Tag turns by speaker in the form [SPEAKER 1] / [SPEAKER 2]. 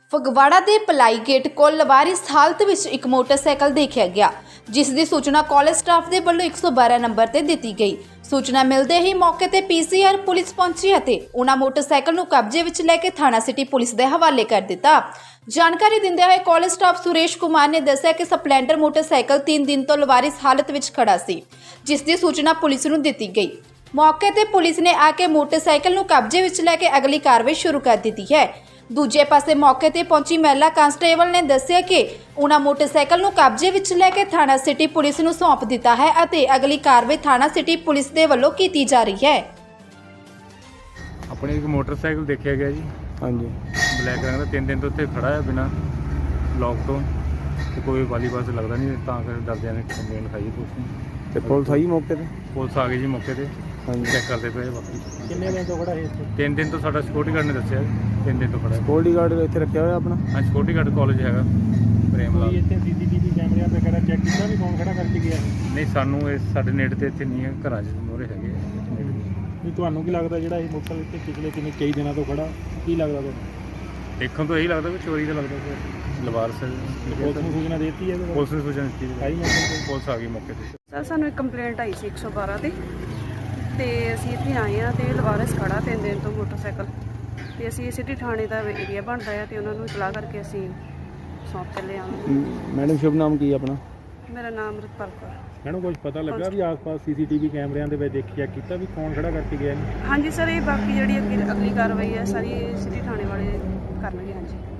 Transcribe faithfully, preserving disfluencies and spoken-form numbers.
[SPEAKER 1] ਫਗਵਾੜਾ ਦੇ ply gate ਕੋਲ ਲਵਾਰਿਸ ਹਾਲਤ ਵਿੱਚ ਇੱਕ ਮੋਟਰਸਾਈਕਲ ਦੇਖਿਆ ਗਿਆ, ਜਿਸ ਦੀ ਸੂਚਨਾ ਕਾਲਜ ਸਟਾਫ ਦੇ ਵੱਲੋਂ ਇੱਕ ਸੌ ਬਾਰਾਂ ਨੰਬਰ ਤੇ ਦਿੱਤੀ ਗਈ। ਸੂਚਨਾ ਮਿਲਦੇ ਹੀ ਮੌਕੇ ਤੇ ਪੀਸੀਆਰ ਪੁਲਿਸ ਪਹੁੰਚੀ ਅਤੇ ਉਹਨਾਂ ਮੋਟਰਸਾਈਕਲ ਨੂੰ ਕਬਜ਼ੇ ਵਿੱਚ ਲੈ ਕੇ ਥਾਣਾ ਸਿਟੀ ਪੁਲਿਸ ਦੇ ਹਵਾਲੇ ਕਰ ਦਿੱਤਾ। ਜਾਣਕਾਰੀ ਦਿੰਦੇ ਹੋਏ ਕਾਲਜ ਸਟਾਫ ਸੁਰੇਸ਼ ਕੁਮਾਰ ਨੇ ਦੱਸਿਆ ਕਿ ਸਪਲੈਂਡਰ ਮੋਟਰਸਾਈਕਲ ਤਿੰਨ ਦਿਨ ਤੋਂ ਲਵਾਰਿਸ ਹਾਲਤ ਵਿੱਚ ਖੜਾ ਸੀ, ਜਿਸ ਦੀ ਸੂਚਨਾ ਪੁਲਿਸ ਨੂੰ ਦਿੱਤੀ ਗਈ। ਮੌਕੇ ਤੇ ਪੁਲਿਸ ਨੇ ਆ ਕੇ ਮੋਟਰਸਾਈਕਲ ਨੂੰ ਕਬਜ਼ੇ ਵਿੱਚ ਲੈ ਕੇ ਅਗਲੀ ਕਾਰਵਾਈ ਸ਼ੁਰੂ ਕਰ ਦਿੱਤੀ ਹੈ। ਦੂਜੇ ਪਾਸੇ ਮੌਕੇ ਤੇ ਪਹੁੰਚੀ ਮਹਿਲਾ ਕਾਂਸਟੇਬਲ ਨੇ ਦੱਸਿਆ ਕਿ ਉਹਨਾਂ ਮੋਟਰਸਾਈਕਲ ਨੂੰ ਕਬਜ਼ੇ ਵਿੱਚ ਲੈ ਕੇ ਥਾਣਾ ਸਿਟੀ ਪੁਲਿਸ ਨੂੰ ਸੌਂਪ ਦਿੱਤਾ ਹੈ ਅਤੇ ਅਗਲੀ ਕਾਰਵਾਈ ਥਾਣਾ ਸਿਟੀ ਪੁਲਿਸ ਦੇ ਵੱਲੋਂ ਕੀਤੀ ਜਾ ਰਹੀ ਹੈ।
[SPEAKER 2] ਆਪਣੇ ਇੱਕ ਮੋਟਰਸਾਈਕਲ ਦੇਖਿਆ ਗਿਆ ਜੀ।
[SPEAKER 3] ਹਾਂਜੀ
[SPEAKER 2] ਬਲੈਕ ਰੰਗ ਦਾ ਤਿੰਨ ਦਿਨ ਤੋਂ ਉੱਥੇ ਖੜਾ ਹੈ ਬਿਨਾਂ ਲੌਕ ਤੋਂ, ਤੇ ਕੋਈ ਵਾਲੀ ਬੱਸ ਲੱਗਦਾ ਨਹੀਂ, ਤਾਂ ਕਰਕੇ ਡਰਦਿਆਂ ਨੇ ਕੰਪਲੇਂਟ ਖਾਈ ਪੁਲਿਸ ਨੇ।
[SPEAKER 3] ਤੇ ਪੁਲਿਸ ਆਈ ਮੌਕੇ ਤੇ?
[SPEAKER 2] ਪੁਲਿਸ ਆ ਗਈ ਜੀ ਮੌਕੇ ਤੇ,
[SPEAKER 3] ਹਾਂਜੀ
[SPEAKER 2] ਚੈੱਕ ਕਰਦੇ ਪਏ ਬਾਕੀ।
[SPEAKER 3] ਕਿੰਨੇ ਦਿਨ ਤੋਂ ਖੜਾ ਹੈ ਇੱਥੇ?
[SPEAKER 2] ਤਿੰਨ ਦਿਨ ਤੋਂ ਸਾਡਾ ਸਿਕਿਉਰਟੀ ਗਾਰਡ ਨੇ ਦੱਸਿਆ ਤਿੰਨ ਦਿਨ ਤੋਂ ਖੜਾ ਹੈ।
[SPEAKER 3] ਸਿਕਿਉਰਟੀ ਗਾਰਡ ਇੱਥੇ ਰੱਖਿਆ ਹੋਇਆ ਆਪਣਾ?
[SPEAKER 2] ਹਾਂ, ਸਿਕਿਉਰਟੀ ਗਾਰਡ ਕਾਲਜ ਹੈਗਾ ਪ੍ਰੇਮ ਲਾਲ।
[SPEAKER 3] ਇੱਥੇ ਸੀਸੀਟੀਵੀ ਕੈਮਰਿਆਂ ਵਗੈਰਾ ਚੈੱਕ ਕੀਤਾ ਵੀ ਕੌਣ ਖੜਾ ਕਰਕੇ ਗਿਆ?
[SPEAKER 2] ਨਹੀਂ, ਸਾਨੂੰ ਇਹ ਸਾਡੇ ਨੇੜੇ ਤੇ ਇੱਥੇ ਨਹੀਂ ਹੈ, ਘਰਾਂ 'ਚ ਮੋਹਰੇ ਹੈਗੇ ਨੇੜੇ।
[SPEAKER 3] ਨਹੀਂ, ਤੁਹਾਨੂੰ ਕੀ ਲੱਗਦਾ ਜਿਹੜਾ ਇਹ ਮੋਟਰਸਾਈਕਲ ਇੱਥੇ ਪਿਛਲੇ ਕਿੰਨੇ ਕਈ ਦਿਨਾਂ ਤੋਂ ਖੜਾ, ਕੀ ਲੱਗਦਾ ਤੁਹਾਨੂੰ?
[SPEAKER 2] ਦੇਖਣ ਤੋਂ ਇਹੀ ਲੱਗਦਾ ਵੀ ਚੋਰੀ ਦਾ ਲੱਗਦਾ ਪਿਆ। ਲਵਾਰਸ
[SPEAKER 3] ਪੁਲਿਸ ਨੂੰ ਸੂਚਨਾ ਦੇ ਦਿੱਤੀ ਹੈ?
[SPEAKER 2] ਪੁਲਿਸ ਨੇ ਸੂਚਨਾ ਦਿੱਤੀ
[SPEAKER 3] ਆਈ
[SPEAKER 2] ਜੀ,
[SPEAKER 3] ਮੌਕੇ ਤੇ?
[SPEAKER 2] ਪੁਲਿਸ ਆ ਗਈ ਮੌਕੇ ਤੇ।
[SPEAKER 4] ਸਰ ਸਾਨੂੰ ਇੱਕ ਕੰਪਲੇਂਟ ਆਈ ਸੀ ਇੱਕ ਸੌ ਬਾਰਾਂ ਤੇ ਤੇ ਅਸੀਂ ਇੱਥੇ ਆਏ ਹਾਂ ਤੇ ਲਵਾਰਿਸ ਖੜਾ ਤਿੰਨ ਦਿਨ ਤੋਂ ਮੋਟਰਸਾਈਕਲ, ਤੇ ਅਸੀਂ ਸਿਟੀ ਥਾਣੇ ਦਾ ਏਰੀਆ ਬਣਦਾ ਹੈ ਤੇ ਉਹਨਾਂ ਨੂੰ ਇਤਲਾਹ ਕਰਕੇ ਅਸੀਂ ਸੌਂਪ ਚੱਲੇ ਆਵਾਂਗੇ।
[SPEAKER 3] ਮੈਡਮ ਸ਼ੁਭ ਨਾਮ ਕੀ ਆਪਣਾ?
[SPEAKER 4] ਮੇਰਾ ਨਾਮ ਅੰਮ੍ਰਿਤਪਾਲ ਕੌਰ।
[SPEAKER 3] ਮੈਨੂੰ ਕੁਝ ਪਤਾ ਲੱਗਾ ਵੀ ਆਸ-ਪਾਸ ਸੀਸੀਟੀਵੀ ਕੈਮਰਿਆਂ ਦੇ ਵਿੱਚ ਦੇਖਿਆ ਕੀਤਾ ਵੀ ਕੌਣ ਖੜਾ ਕਰਕੇ ਗਿਆ?
[SPEAKER 4] ਹਾਂਜੀ ਸਰ, ਇਹ ਬਾਕੀ ਜਿਹੜੀ ਅੱਗੇ ਅਗਲੀ ਕਾਰਵਾਈ ਹੈ ਸਾਰੀ ਸਿਟੀ ਥਾਣੇ ਵਾਲੇ ਕਰਨਗੇ। ਹਾਂਜੀ।